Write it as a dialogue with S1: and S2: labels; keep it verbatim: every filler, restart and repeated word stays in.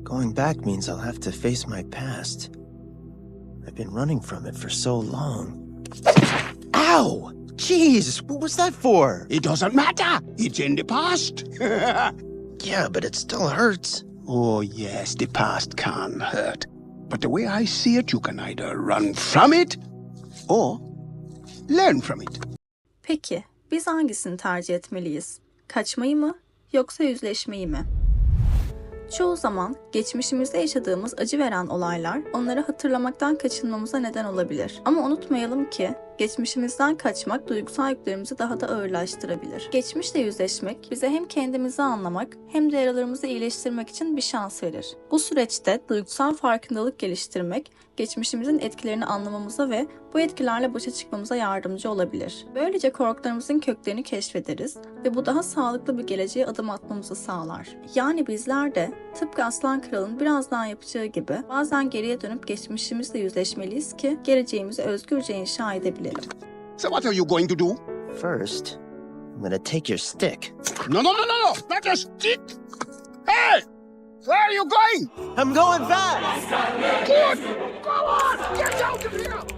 S1: Going back means I'll have to face my past. I've been running from it for so long. Ow! Jeez, what was that for?
S2: It doesn't matter. It's in the past.
S1: Yeah, but it still hurts.
S2: Oh, yes, the past can hurt. But the way I see it, you can either run from it or learn from it.
S3: Peki, biz hangisini tercih etmeliyiz? Kaçmayı mı, yoksa yüzleşmeyi mi? Çoğu zaman geçmişimizde yaşadığımız acı veren olaylar onları hatırlamaktan kaçınmamıza neden olabilir. Ama unutmayalım ki geçmişimizden kaçmak duygusal yüklerimizi daha da ağırlaştırabilir. Geçmişle yüzleşmek bize hem kendimizi anlamak hem de yaralarımızı iyileştirmek için bir şans verir. Bu süreçte duygusal farkındalık geliştirmek geçmişimizin etkilerini anlamamıza ve bu etkilerle başa çıkmamıza yardımcı olabilir. Böylece korkularımızın köklerini keşfederiz ve bu daha sağlıklı bir geleceğe adım atmamızı sağlar. Yani bizler de tıpkı Aslan Kral'ın birazdan yapacağı gibi bazen geriye dönüp geçmişimizle yüzleşmeliyiz ki geleceğimizi özgürce inşa edebilelim.
S2: So what are you going to do?
S1: First, I'm gonna take your stick.
S2: No, no, no, no, no, not a stick. Hey, where are you going?
S1: I'm going fast!
S2: Good. Go on, get out of here.